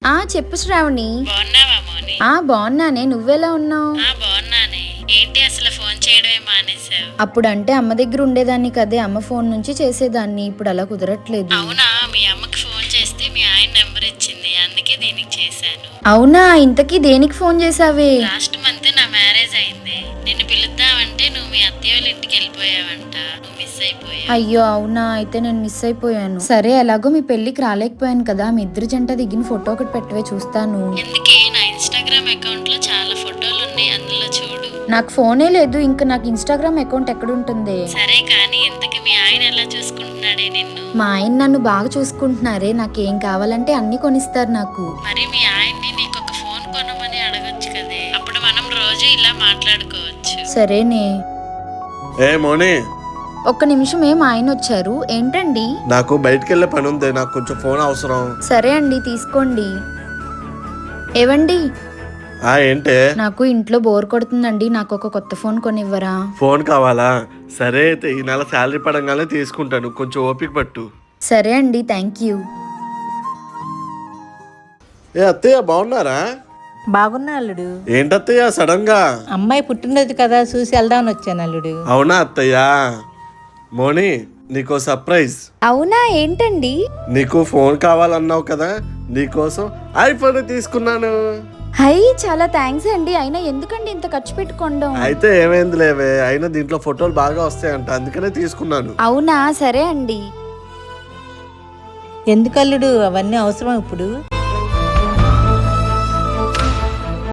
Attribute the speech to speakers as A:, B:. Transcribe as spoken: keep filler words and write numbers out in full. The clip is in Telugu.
A: ఆ చెప్పు శ్రావణి.
B: బాగున్నావా మోని?
A: ఆ బాగున్నానే, నువ్వెలా ఉన్నావు?
B: ఆ బాగున్నానే. ఏంటి అసలు ఫోన్ చేయడమే మానేసావు?
A: అప్పుడు అంటే అమ్మ దగ్గర ఉండేదాన్ని కదే, అమ్మ ఫోన్ నుంచి చేసేదాన్ని. ఇప్పుడు అలా కుదరట్లేదు.
B: అవునా, మీ అమ్మకి ఫోన్ చేస్తే మీ ఆయన నెంబర్ ఇచ్చింది, అందుకే దీనికి చేశాను.
A: అవునా, ఇంతకీ దేనికి ఫోన్ చేసావే?
B: లాస్ట్ మంత్ నా మ్యారేజ్ అయింది. నిన్ను పిలుద్దామంటే నువ్వు మీ అత్తయ్య వాళ్ళ ఇంటికి వెళ్ళిపోయావంట. నువ్వు మిస్ అయిపోయావు.
A: అయ్యో అవునా, అయితే నేను మిస్ అయిపోయాను. సరే, ఎలాగో మీ పెళ్లికి రాలేకపోయాను కదా, మీ ఇద్దరు జంట దిగిన ఫోటో ఒకటి పెట్టవే, చూస్తాను.
B: ఎందుకే, నా ఇన్స్టాగ్రామ్ అకౌంట్ లో చాలా ఫోటోలు ఉన్నాయి, అందులో చూడు.
A: నాకు ఫోనే లేదు, ఇంకా నాకు ఇన్స్టాగ్రామ్ అకౌంట్ ఎక్కడుంటుంది?
B: సరే కానీ ఇంతకు మీ ఆయన ఎలా చూసుకుంటున్నాడే నిన్ను?
A: మా ఆయన నన్ను బాగా చూసుకుంటున్నారే, నాకేం కావాలంటే అన్ని కొనిస్తారు నాకు.
B: మరి మీ ఆయన్ని నీకు ఒక ఫోన్ కొనమని అడగొచ్చు కదే, అప్పుడు మనం రోజు ఇలా మాట్లాడుకోవచ్చు.
A: సరేనే.
C: ఏ మోని,
A: ఒక్క నిమిషం, ఏం ఆయన వచ్చారు? ఏంటండి?
C: నాకు బయటికి వెళ్ళే పని ఉంది, నాకు కొంచెం ఫోన్ అవసరం.
A: సరే అండి, తీసుకోండి. ఏవండి,
C: ఆ ఏంటే?
A: నాకు ఇంట్లో బోర్ కొడుతుందండి, నాకు ఒక కొత్త ఫోన్ కొనివ్వరా?
C: ఫోన్ కావాలా? సరే అయితే ఈ నెల శాలరీ పడంగానే తీసుకుంటాను, కొంచెం ఓపిక పట్టు.
A: సరే అండి, థ్యాంక్ యూ.
C: ఏ అత్తయ్య బాగున్నారా?
D: బాగున్నా అల్లుడు.
C: ఏంటత్తయ్య సడన్ గా?
D: అమ్మాయి పుట్టినది కదా, చూసి వెళ్దామని వచ్చాను అల్లుడు.
C: అవునా అత్తయ్య? మోని, నీకో సర్ప్రైజ్.
A: అవునా, ఏంటండి?
C: నీకు ఫోన్ కావాలన్నావు కదా, నీకోసం ఐఫోన్ తీసుకున్నాను.
A: హై, చాలా థ్యాంక్స్ అండి. అయినా ఎందుకండి ఇంత ఖర్చు పెట్టుకోవడం?
C: అయితే ఏమైంది లేవే, అయినా దీంట్లో ఫోటోలు బాగా వస్తాయంట, అందుకనే తీసుకున్నాను.
A: అవునా, సరే అండి.
D: ఎందుకు అల్లుడు, అవన్నీ అవసరం ఇప్పుడు?